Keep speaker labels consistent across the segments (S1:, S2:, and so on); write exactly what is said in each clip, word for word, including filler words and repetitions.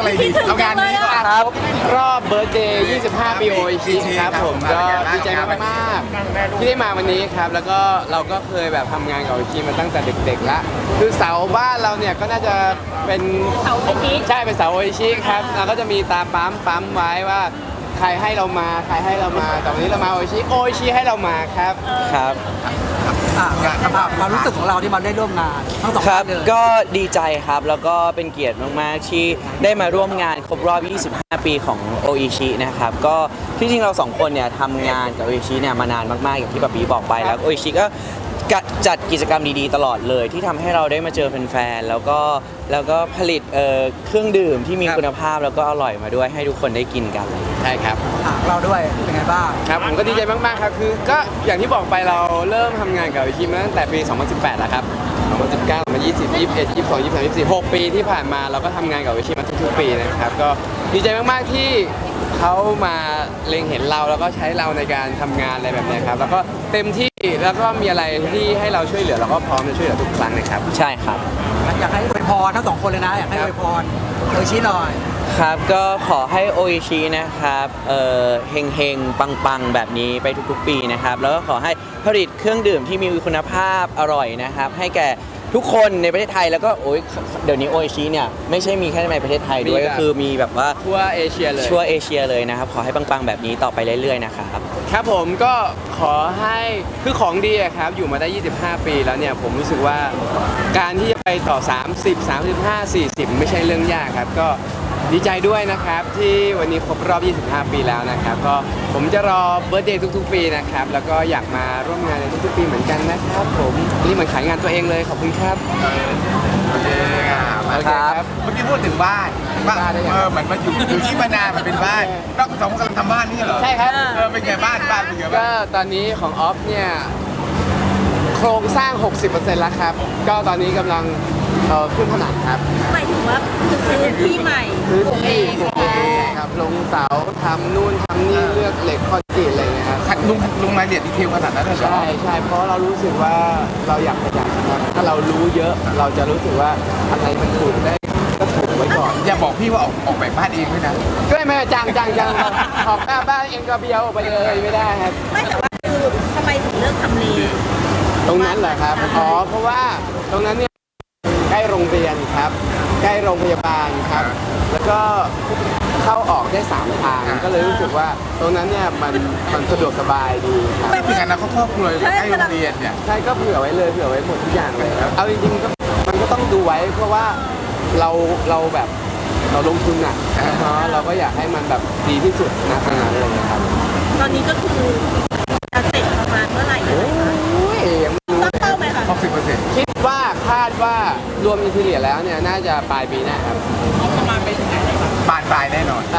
S1: ดีเอางานนี้ก่อน
S2: ครับรอบเบิร์ธเดย์ยี่สิบห้า ปีโออิชิครับผมก็ดีใจมากๆที่ได้มาวันนี้ครับแล้วก็เราก็เคยแบบทำงานกับโออิชิมาตั้งแต่เด็กๆแล้วคือเสาบ้านเราเนี่ยก็น่าจะเป็นเสาโออิชิใช่เป็นเสาโออิชิครับเราก็จะมีตาปั๊มปั๊มไว้ว่าใครให้เรามาใครให้เรามาแต่วันนี้เรามาโออิชิโออิชิให้เรามาครับครับ
S3: อ่ะความรู้สึกของเราที่มาได้ร่วมงานทั้งสอง
S4: ครั
S3: ท่า
S4: บ
S3: นเลย
S4: ก็ดีใจครับแล้วก็เป็นเกียรติมากๆที่ได้มาร่วมงานครบรอบ ยี่สิบห้า ปีของโออิชินะครับก็ที่จริงเราสองคนเนี่ยทำงานกับโออิชิเนี่ยมานานมากๆอย่างที่ป๊าปีบอกไปแล้วโออิชิก็จัดกิจกรรมดีๆตลอดเลยที่ทำให้เราได้มาเจอแฟนๆแล้วก็แล้วก็ผลิตเอ่อเครื่องดื่มที่มีคุณภาพแล้วก็อร่อยมาด้วยให้ทุกคนได้กินกัน
S2: ใช่ครับ
S3: อ่ะเราด้วยเป็นไงบ้าง
S2: ครับผมก็ดีใจมากๆครับคือก็อย่างที่บอกไปเราเริ่มทำงานกับโออิชิมาตั้งแต่ปี สองพันสิบแปด แล้วครับ สองพันสิบเก้า สองพันยี่สิบ ยี่สิบเอ็ด ยี่สิบสอง ยี่สิบสาม ยี่สิบสี่ หกปีที่ผ่านมาเราก็ทำงานกับโออิชิมาทุกๆปีนะครับก็ดีใจมากๆที่เขามาเล็งเห็นเราแล้วก็ใช้เราในการทำงานอะไรแบบนี้ครับแล้วก็เต็มที่แล้วก็มีอะไรที่ให้เราช่วยเหลือเราก็พร้อมจะช่วยเหลือทุกครั้งนะครับ
S4: ใช่ครับ
S3: อยากให้อวยพรทั้งสองคนเลยนะอยากให้อวยพรโออิชิหน่อย
S4: ครับก็ขอให้โออิชินะครับเอ่อเฮงเฮงปังปังๆแบบนี้ไปทุกๆปีนะครับแล้วก็ขอให้ผลิตเครื่องดื่มที่มีคุณภาพอร่อยนะครับให้แก่ทุกคนในประเทศไทยแล้วก็โอ้ยเดี๋ยวนี้โออิชิเนี่ยไม่ใช่มีแค่ในประเทศไทยด้วยก็คือมีแบบว่า
S2: ทั่วเอเชียเลย
S4: ทั่วเอเชียเลยนะครับขอให้ปังๆแบบนี้ต่อไปเรื่อยๆนะครับ
S2: ครับผมก็ขอให้คือของดีครับอยู่มาได้ยี่สิบห้าปีแล้วเนี่ยผมรู้สึกว่าการที่จะไปต่อสามสิบ สามสิบห้า สี่สิบไม่ใช่เรื่องยากครับก็ดีใจด้วยนะครับที่วันนี้ครบรอบยี่สิบห้า ปีแล้วนะครับก็ผมจะรอเบิร์ธเดย์ทุกๆปีนะครับแล้วก็อยากมาร่วมงานในทุกๆปีเหมือนกันนะครับผมนี่เหมือนขายงานตัวเองเลยขอบคุณครับ
S1: โอเคครับเมื่อกี้พูดถึงบ้านบ้านเออเหมือนมาอยู่อยู่ที่มานานมันเป็นบ้านต้องสองกำลังทำบ้านนี่เหรอ
S2: ใช่ครับ
S1: เออเป็นไงบ้านบ้านเป็นไงบ้าง
S2: ก็ตอนนี้ของออฟเนี่ยโครงสร้าง หกสิบเปอร์เซ็นต์ แล้วครับก็ตอนนี้กำลังเอ่อขึ้นผนังครับ
S5: หมายถึงว่าซื้อที่ใหม่
S2: พื้นที่ปลูกเองครับลงเสาทำนู่นทำนี่เลือกเหล็กคอนกรีตอะไรเงี้ยครับ
S1: ลุงลุงรายละเอียดดีเทลขนาดนั้นเลยเหรอ
S2: ใช่ใช่เพราะเรารู้สึกว่าเราอยากประหยัดครับถ้าเรารู้เยอะเราจะรู้สึกว่าอะไรมันถูกได้ก็ถูกไว้ก่อน
S1: อย่าบอกพี่ว่าออกออกแบบบ้านเองด้วยนะ
S2: ก็ไม่จังจังจังออกหน้าบ้านเองก็เบี้ยวออกไปเลยไม่ได้ครับ
S5: ไม่แต่ว่าคือทำไมถึงเลือกทำเล
S2: ตรงนั้นเหรอครับอ๋อเพราะว่าตรงนั้นเนี่ยใกล้โรงเรียนครับใกล้โรงพยาบาลครับแล้วก็เข้าออกได้สามทางก็เลยรู้สึกว่าตรงนั้นเนี่ยมันมันสะดวกสบายดีครับ
S1: ไม่ถึงกันนะเขาครอบครัวใกล้โรงเรียนเนี่ย
S2: ใช่ก็เผื่อไว้เลยเผื่อไว้หมดทุกอย่างเลยครับเอาจริงๆก็มันก็ต้องดูไว้เพราะว่าเราเราแบบเราลงทุนอ่ะเนาะเราก็อยากให้มันแบบดีที่สุดนะขนาดนั้นเลยครับ
S5: ตอนนี้ก็คือจะเสร็จประมาณเมื่อไหร่
S2: โอ้ย
S5: ตั้งเป้าไหมคะ
S1: หกสิบเปอร์เซ็นต์
S2: คิดว่าคาดว่ารวมอินทีเรียแล้วเนี่ยน่าจะปลายปีหน้าครับ
S5: ประมาณไปถึงไหน
S1: บานปลายแน่นอน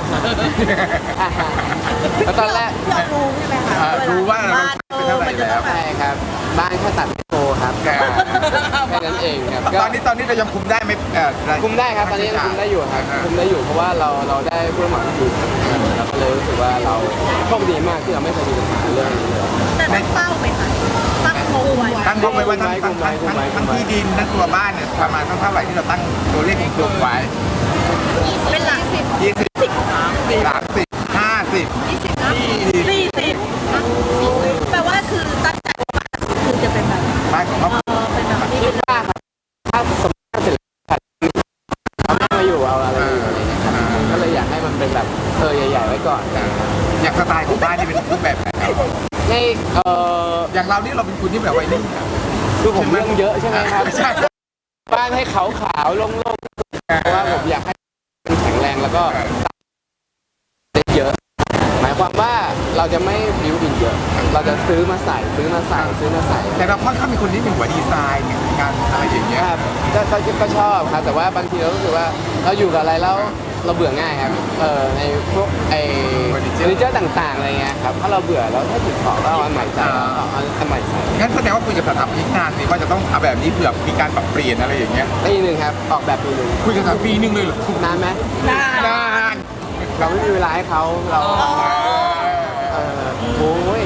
S2: แล้วตอนแรก
S5: เรารู้ใช่ไหมคะ
S1: รู้ว่าเราเป็นเท่าไหร่แล้ว
S2: ใช่ครับบ้านแค่ตัดโตครับแค่นั้นเองครับ
S1: ตอนนี้ตอนนี้เรายังคุมได้ไหม
S2: คุมได้ครับตอนนี้ยังคุมได้อยู่ครับคุมได้อยู่เพราะว่าเราเราได้ผู้รับเหมาที่ดีเราก็เลยรู้สึกว่าเราโชคดีมากที่เราไม่เคยมีปัญหาเรื่องนี้เลย
S5: แต่ตั้งเป้าไหมคะตั้งงบไว้
S1: ตั้งงบไว้ว่าทั้งทั้งทั้งที่ดินทั้งตัวบ้านเนี่ยประมาณเท่าไหร่ที่เราตั้งตัวเลขกลุ่มไว้
S5: เป็นหลักสิบ
S1: ยี่สิบสามสิบห้าสิบ
S5: ยี่สิบสี่สิบแปลว่าคือตั้งใจว่าคือจะเป็นแบบ
S1: บ้านของเรา
S5: เป็นแบบนี้เป็น
S2: ว่าถ้าสมมติเสร็จเขาไม่มาอยู่เอาอะไรก็เลยอยากให้มันเป็นแบบเออใหญ่ๆไว้ก่อน
S1: อยากสไตล์ของบ้านที่เป็นรูปแบบไหน
S2: ในเอ่อ
S1: อย่างเรานี่เราเป็นคนที่แบบวัยรุ่น
S2: คือผมเรื่องเยอะใช่ไหมครับบ้านให้ขาวๆโล่งๆเพราะว่าผมอยากให้มันแข็งแรงแล้วก็ได้เยอะหมายความว่าเราจะไม่บิวดินเยอะเราจะซื้อมาใส่ซื้อมาใส่ซื้อมาใส่
S1: แต่เราค่อนข้างมีคนที่เป็นหัวดีไซน์งานอะไรอย่างเงี้ย
S2: ครับก็ก็ชอบครับแต่ว่าบางทีเรารู้สึกว่าเราอยู่กับอะไรแล้วเราเบื่อง่ายครับเออในพวกไอ้เฟอร์นิเจอร์ต่างๆอะไรเงี้ยครับถ้าเราเบื่อแล้วถ้าติดต่อก็เอาอันใหม่ใส่เอาอันใหม่ใส่
S1: งั้นแสดงว่าคุยกับสถาปนิกนานสิว่าจะต้องเอาแบบนี้เผื่อมีการปรับเปลี่ยนอะไรอย่างเงี้ย
S2: ปีหนึ่งครับออกแบบปีหนึ่ง
S1: คุยกันปีหนึ่งเลยเหรอน
S2: านไหม
S5: นาน
S1: นาน
S2: เราไม่มีเวลาให้เขาเราเออโอ้ย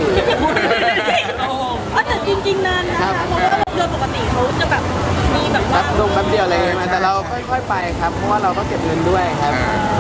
S5: แต่จริงๆนานนะคะเพราะว่าโดยปกติเขาจะแบบมีแบบว่า
S2: ลงแป๊บเดียวอะไรเงี้ยแต่เราค่อยๆไปครับเพราะว่าเราก็เก็บเงินด้วยครับเอ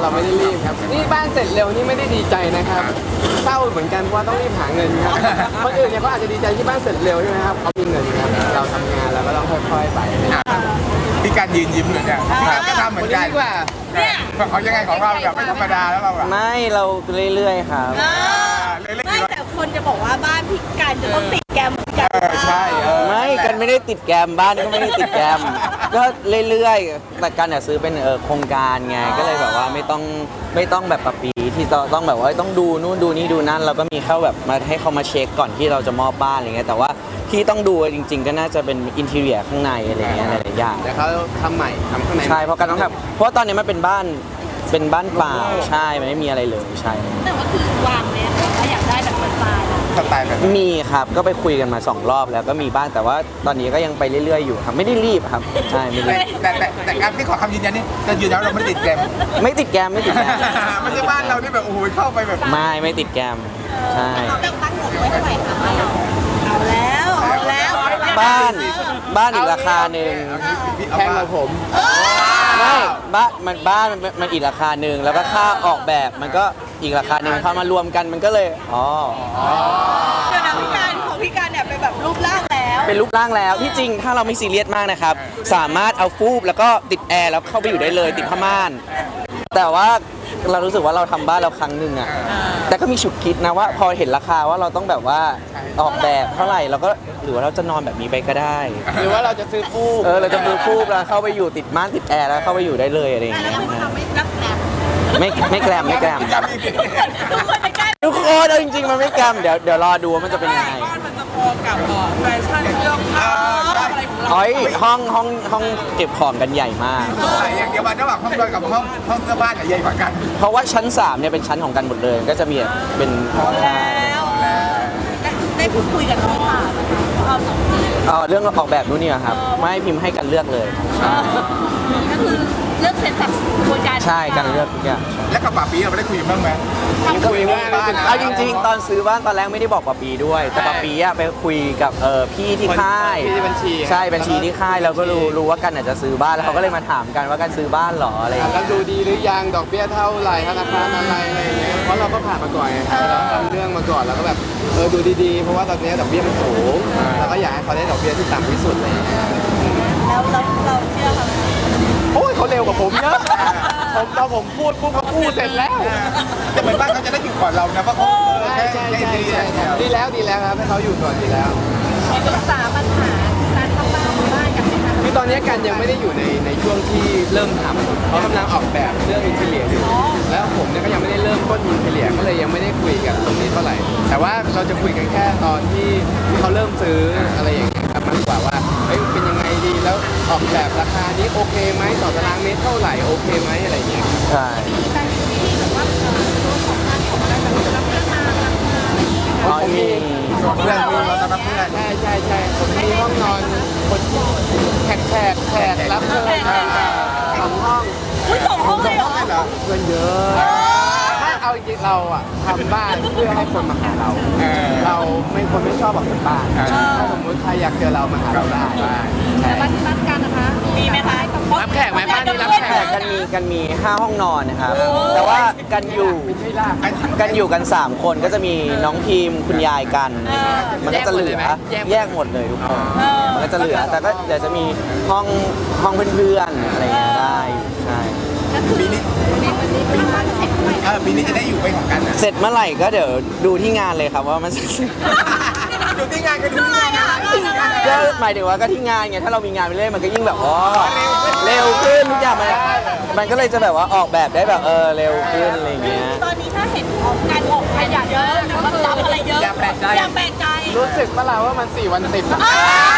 S2: เราไม่ได้รีบครับนี่บ้านเสร็จเร็วนี่ไม่ได้ดีใจนะครับเศร้าเหมือนกันเพราะว่าต้องรีบหาเงินครับคนอื่นเนี่ยเขาอาจจะดีใจที่บ้านเสร็จเร็วใช่ไหมครับเขามีเงินครับเราทำงานแล้วก็ต้องค่อยๆไป
S1: มีการยืนยิ้มเลยเนี่ยก็ทำเหมือนกัน
S2: ดีกว่า
S5: เนี่ย
S1: เขายังไงของเราแบบไม่ธรรมดาแล้วเราอะ
S4: ไม่เราเรื่อยๆครับ
S5: เออไม่แต่คนจะบอกว่าบ้านพี่การจะต้องติดแกรมพี่การ
S1: เออใช่เออ
S4: ไม่กันไม่ได้ติดแกรมบ้านก็ไม่ได้ติดแกรมก็เรื่อยๆแต่กันอยากซื้อเป็นเออโครงการไงก็เลยแบบว่าไม่ต้องไม่ต้องแบบปะปีที่ต้องต้องแบบว่าต้องดูนู่นดูนี่ดูนั่นเราก็มีเข้าแบบมาให้เขามาเช็คก่อนที่เราจะมอบบ้านอะไรเงี้ยแต่ว่าที่ต้องดูจริง ๆ ก็น่าจะเป็นอินทีเรียข้างในอะไรเงี้ยหลายๆอย่าง
S2: เดี๋ยวเขาทำใหม่ทำข้างใน
S4: ใช่เพราะกันต้องแบบเพราะว่าตอนนี้มันเป็นบ้านเป็นบ้านเปล่าใช่มันไม่มีอะไรเลยใช่
S5: แต่ว่าคือวางเนี่ยถ้าอยากได้แบบสไตล์
S1: สไตล์แบบ
S4: มีครับก็ไปคุยกันมาสองรอบแล้วก็มีบ้างแต่ว่าตอนนี้ก็ยังไปเรื่อยๆอยู่ครับไม่ได้รีบครับใช่ไม่รีบ
S1: แต่แต่แต่การที่ขอคำยืนยันนี่จะยืนยันว่าเราไม่ได้ติดแกม
S4: ไม่ติดแกรมไม่ติดแกรม
S1: ไม่ใช่บ้านเราที่แบบโอ้โหเข้าไปแบบ
S4: ไม่ไม่ติดแกรมใช่
S5: เราตั้งตั้งงบไว้เท่าไหร่คะบ้านเราเอาแล้วเอาแล้ว
S4: บ้านบ้านอีกราคาหนึ่ง
S2: แพงกว่าผม
S4: ไม่บ้านมันบ้านมันมันอีกราคาหนึ่งแล้วก็ค่าออกแบบมันก็อีกราคาหนึ่งพอมารวมกันมันก็เลยอ๋อ
S5: เดี๋ยวนะพี่การของพี่การเนี่ยเป็นแบบรูปร่างแล้ว
S4: เป็นรูปร่างแล้วที่จริงถ้าเราไม่ซีเรียสมากนะครับสามารถเอาฟูบแล้วก็ติดแอร์แล้วเข้าไปอยู่ได้เลยติดผ้าม่าน แต่ว่าเรารู้สึกว่าเราทำบ้านเราครั้งหนึ่งอะแต่ก็มีฉุกคิดนะว่าพอเห็นราคาว่าเราต้องแบบว่าออกแบบเท่าไหร่เราก็หรือว่าเราจะนอนแบบนี้ไปก็ได้
S2: หรือว่าเราจะซื้อฟูก
S4: เออเราจะมือฟูบแล้วเข้าไปอยู่ติดม่านติดแอร์แล้วเข้าไปอยู่ได้เลยอะไรอย่าง
S5: แล้ว
S4: เงี้ย
S5: คุณทำไม่รับแกรม
S4: ไม่ไม่แกรมไม่แกรม
S5: ทุกคนจะใกล้
S4: ทุกคนเอาจริงๆมันไม่แกรมเดี๋ยวเดี๋ยวรอดูว่ามันจะเป็นยังไง
S6: บ้านมันจะพอกับเอ่อแฟชั่นเสื้อผ้าอะไรของเรา
S4: อ๋อยห้องห้องห้องเก็บของกันใหญ่มาก
S1: อย่างเดียววันระหว่างห้องนอนกับห้องห้องเสื้อผ้าเนี่ยใหญ่กว่ากัน
S4: เพราะว่าชั้นสามเนี่ยเป็นชั้นของกันหมดเลยก็จะมีเป็นห้อง
S5: แล้วได้พูดคุยกับน้องค่ะเอาสองที
S4: เอ่อเรื่องออกแบบนู่นนี่ครับไม่ให้พิมพ์ให้กันเลือกเลยใช่
S5: ก็คือเลือกเสร็จสับกระบวนการ
S4: ใช่กันเลือกทุกอย่าง
S1: แล้วกับป่าปีเราไม่ได้คุยกันบ้างไหม
S2: คุยว่า
S1: บ้านนะ
S4: เอาจริงๆ ตอนซื้อบ้านตอนแรกไม่ได้บอกปาปีด้วย แต่ปาปีอะไปคุยกับเออพี่ที่ค่าย
S2: พี่ที่บัญชี
S4: ใช่บัญชีที่ค่ายเราก็รู้รู้ว่ากันอาจจะซื้อบ้านแล้วเขาก็เลยมาถามกันว่ากันซื้อบ้านเหรออะไรอย่าง
S2: แล้ว
S4: เงี้ย
S2: ดูดีหรือยังดอกเบี้ยเท่าไหร่ธนาคารอะไรอะไรอย่างเงี้ยเพราะเราก็ผ่านมาก่อนไงครับเราทำเรื่องมาก่อนแล้วก็แบบเออดูดีๆเพราะว่าตอนนี้ดอกเบี้ยมันสูงเราก็อยากให้เขาได้ดอกเบี้ยที่ต่ำที่สุดเลย
S5: แล้วเราเราเชื่อเขาไหม
S2: โอ้ยเขาเร็วกว่าผมเยอะผมตอนผมพูดปุ๊บเขาพูดเสร็จแล้ว
S1: แต่เหมือนบ้านเขาจะได้อยู่ก่อนเรานะเพราะเขา
S2: ใช่ใช่ใช่ใช่ดีแล้วดีแล้วครับให้เขาอยู่ก่อนดีแล้ว
S5: ปรึกษาปัญหาการทำบ้านของบ้านกันไหมคะ
S2: คือตอนนี้กันยังไม่ได้อยู่ในในช่วงที่เริ่มทำเขากำลังออกแบบเรื่องอินเทเลียอยู่แล้วผมเนี่ยก็ยังไม่ได้เริ่มต้นอินเทเลียก็เลยยังไม่ได้คุยกันตรงนี้เท่าไหร่แต่ว่าเราจะคุยกันแค่ตอนที่เขาเริ่มซื้ออะไรอย่างเงี้ยครับมากกว่าว่าเฮ้ยเป็นยังไงดีแล้วออกแบบราคานี้โอเคไหมต่อตารางเมตรเท่าไหร่โอเคไหมอะไรอย่างเงี้ย
S4: ใช่
S5: การที่แบบว่าตัวของบ้านของเราแบบรับเรื่องมารับงานอะไรอย่างเงี้ย
S4: อ๋อมี
S1: ส่วนเพื่อนมีเราตอนนั้นเพื่อน
S2: ใช่ใช่ใช่ผมมีห้องนอนคนแขกแขกแขกรับเชิญสองห้อง
S5: อุ้ยสองห้องเลยเหรอ
S1: เหรอ
S2: เพื่อนเยอะถ้าเอาจริงๆเราอะทำบ้านเพื่อให้คนมาหาเรา
S1: เออ
S2: เราไม่คนไม่ชอบออกจากบ้าน
S1: เออ
S2: ถ้าสมมติใครอยากเจอเรามาหาเราได้ใช่
S5: บ้านบ้านกันนะคะ มีไหมคะ
S2: รับแขกไหมบ้านนี้รับแข
S4: แต่กันมีกันมีห้าห้องนอนนะครับ แต่ว่ากันอยู่
S2: ไม่ลาก
S4: กันอยู่กันสามคนก็จะมีน้องพิมพ์คุณยายกัน มันก็จะเหลือแยกหมดเลยทุกคนมันก็จะเหลือแต่ก็เดี๋ยวจะมีห้องห้องเพื่อนๆอะไรอย่างเงี้ยได้ใช่
S1: ปีนี้
S5: ในวันนี้เป็นบ้านเสร็จไหม
S1: เออปีนี้จะได้อยู่ไปของกันนะ
S4: เสร็จเมื่อไหร่ก็เดี๋ยวดูที่งานเลยครับว่ามันเสร็จ
S1: ดูที่งานก็ดูที่งานนะ
S4: ก็หมายถึงว่าก็ที่งานไงถ้าเรามีงานไปเรื่อยมันก็ยิ่งแบบอ๋อเร็วขึ้นทุกอย่างมันมันก็เลยจะแบบว่าออกแบบได้แบบเออเร็วขึ้นอะไรอย่างเงี้ย
S5: ตอนนี้ถ้าเห็นการออกขยะเยอะหรือว่ารับอะไรเยอะ
S1: อย่าแปลกใจ
S5: อย่าแปลกใจ
S2: รู้สึกปะล่ะว่ามันสี่วันติดอะ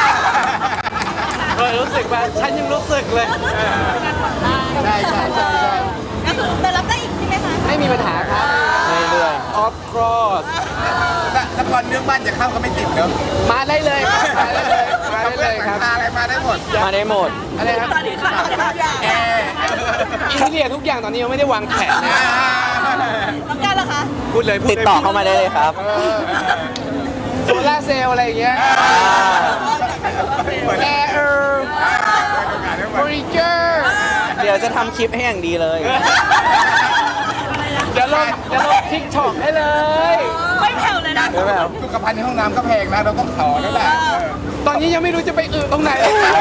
S2: เออรู้สึกว่าฉันยังรู้สึกเลยใช่ใช่ใช่ใช่
S5: ก็คือแต่รับได้อีกใช่ไหมคะ
S2: ไม่มีปัญหาครับ
S4: เรื่อย
S2: of course
S1: ถ้าถ้าก่อนเรื่องบ้านจะเข้าก็ไม่ติดเนอะ
S2: มาได้เลยครับมาได้เลยมาได้เลยครับ
S1: อะไรมาได้หมด
S4: ๆมาได้หมด
S2: อะไรครับ
S5: ตอนนี้ค่ะ
S1: แอร์
S2: อินเทียทุกอย่างตอนนี้ยังไม่ได้วางแผนนะ
S5: แล้วกันล่ะคะ
S2: พูดเลยพูด
S4: ติดต่อเข้ามาได้เลยครับ
S2: โซล่าร์เซลล์อะไรอย่างเงี้ยแอร์เออร์เฟอร์นิเจอร์
S4: เดี๋ยวจะทำคลิปให้อย่างดีเลย
S2: เดี๋ยวลงเดี๋ยวลงทิกช็อกให้เลย
S5: ไม่แผ่วเลยนะ
S2: ไม่แผ่ว
S1: สุขภัณฑ์ในห้องน้ำก็แพงนะเราต้องถอแล้วแหละเออ
S2: ตอนนี้ยังไม่รู้จะไปอึตรงไหน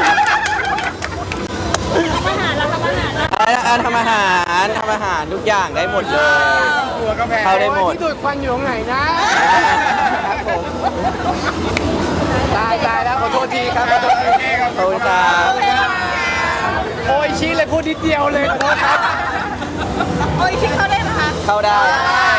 S5: อาหารเราทำอาหารนะ
S4: อ่าอ่าทำอาหารทำอาหารทุกอย่างได้หมดเลย
S1: ครัวก็แพง
S4: เข้าได้หมด
S2: ที่ดูดควันอยู่ตรงไหนนะครับผมตายตายแล้วขอโทษทีครับขอโทษที
S1: โอเคครับ
S4: ขอบคุณครับ
S2: โอ้ยชี้เลยพูดนิดเดียวเลยขอโทษครับ
S5: โอ้ยคิดเขาได้ไหมคะ
S4: เข้าได้
S1: ได้